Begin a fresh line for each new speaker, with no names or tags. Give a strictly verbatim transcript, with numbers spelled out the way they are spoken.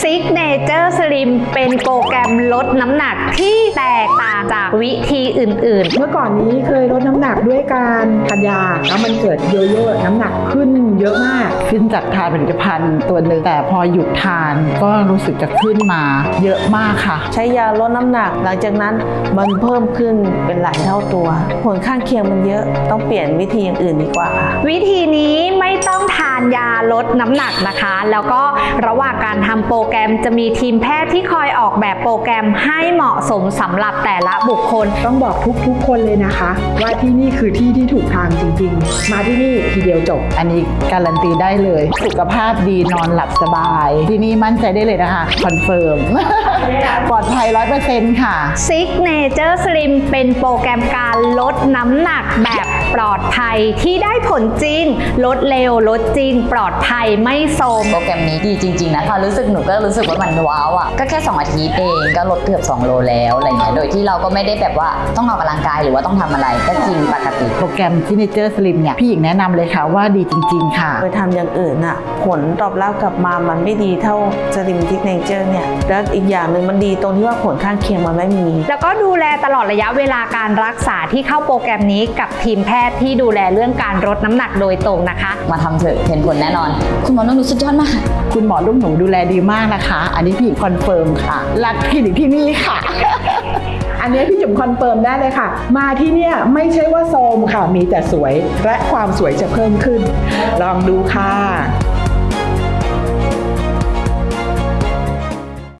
Signature Slim เป็นโปรแกรมลดน้ำหนักที่แตกต่างจากวิธีอื่นๆ
เมื่อก่อนนี้เคยลดน้ำหนักด้วยการทานยาแล้วมันเกิดโยโย่น้ำหนักขึ้นเยอะมาก
ขึ้นจากทานผลิตภัณฑ์ตัวหนึ่งแต่พอหยุดทานก็รู้สึกจะขึ้นมาเยอะมากค่ะ
ใช้ยาลดน้ำหนักหลังจากนั้นมันเพิ่มขึ้นเป็นหลายเท่าตัวผลข้างเคียงมันเยอะต้องเปลี่ยนวิธีอย่างอื่นดีกว่าค่ะ
วิธีนี้ไม่ต้องทานยาลดน้ำหนักนะคะแล้วก็ระหว่างการทำโปรแกรมจะมีทีมแพทย์ที่คอยออกแบบโปรแกรมให้เหมาะสมสำหรับแต่ละบุคคล
ต้องบอกทุกๆคนเลยนะคะว่าที่นี่คือที่ที่ถูกทางจริงๆมาที่นี่ทีเดียวจบ
อันนี้การันตีได้เลยสุขภาพดีนอนหลับสบายที่นี่มั่นใจได้เลยนะคะคอนเฟิร์ม ปลอดภัย ร้อยเปอร์เซ็นต์ ค่ะ
Signature Slim เป็นโปรแกรมการลดน้ำหนักแบบปลอดภัยที่ได้ผลจริงลดเร็วลดจริงปลอดภัยไม่โทรม
โปรแกรมนี้ดีจริงๆนะพอรู้สึกหนูก็รู้สึกว่ามันว้าวอ่ะก็แค่สองอาทิตย์เองก็ลดเกือบสองโลแล้วอะไรเงี้ยโดยที่เราก็ไม่ได้แบบว่าต้องออกกำลังกายหรือว่าต้องทำอะไรก็กินปกติ
โปรแกรม Signature Slim เนี่ยพี่หญิงแนะนำเลยค่ะว่าดีจริงๆค่ะ
ไปทำอย่างอื่นน่ะผลตอบรับกลับมามันไม่ดีเท่า Slim Signature เนี่ยแล้วอีกอย่างหนึ่งมันดีตรงที่ว่าผลข้างเคียงมันไม่มี
แล้วก็ดูแลตลอดระยะเวลาการรักษาที่เข้าโปรแกรมนี้กับทีมแพทย์ที่ดูแลเรื่องการลดน้ำหนักโดยตรงนะคะ
มาทำเถอะเห็นผลแน่นอนคุณหมอนุ่นสุดยอดมาก
คุณหมอลูกหนูดูแลดีมากนะคะอันนี้พี่หญิงคอนเฟิร์มค่ะรักคลินิกที่นี่ค่ะ
อันนี้พี่จุ๋มคอนเฟิร์มได้เลยค่ะมาที่เนี่ยไม่ใช่ว่าโทรมค่ะมีแต่สวยและความสวยจะเพิ่มขึ้นลองดูค่ะ